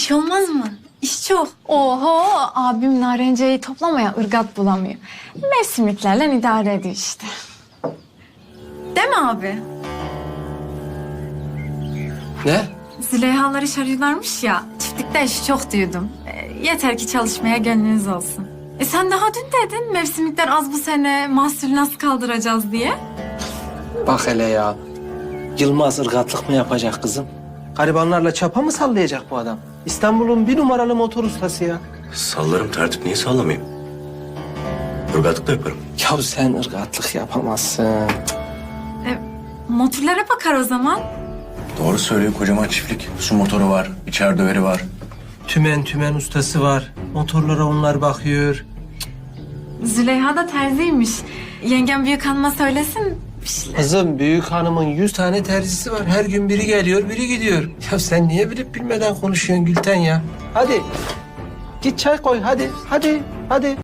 İş olmaz mı? İş çok. Oho, abim narenceyi toplamaya ırgat bulamıyor. Mevsimliklerle idare ediyor işte. Değil mi abi? Ne? Züleyhalar iş arıyorlarmış ya. Çiftlikte işi çok diyordum. Yeter ki çalışmaya gönlünüz olsun. Sen daha dün dedin mevsimlikler az bu sene, mahsulü nasıl kaldıracağız diye. Bak hele ya. Yılmaz ırgatlık mı yapacak kızım? Garibanlarla çapa mı sallayacak bu adam? İstanbul'un bir numaralı motor ustası ya. Sallarım tertip, niye sallamayayım? Irgatlık da yaparım. Ya sen ırgatlık yapamazsın. Motorlara bakar o zaman. Doğru söylüyor, kocaman çiftlik. Su motoru var, içer döveri var. Tümen ustası var. Motorlara onlar bakıyor. Züleyha da terziymiş. Yengem büyük hanıma söylesin bir şeyler. Kızım büyük hanımın 100 tane terzisi var. Her gün biri geliyor, biri gidiyor. Ya sen niye bilip bilmeden konuşuyorsun Gülten ya? Hadi. Git çay koy hadi. Hadi.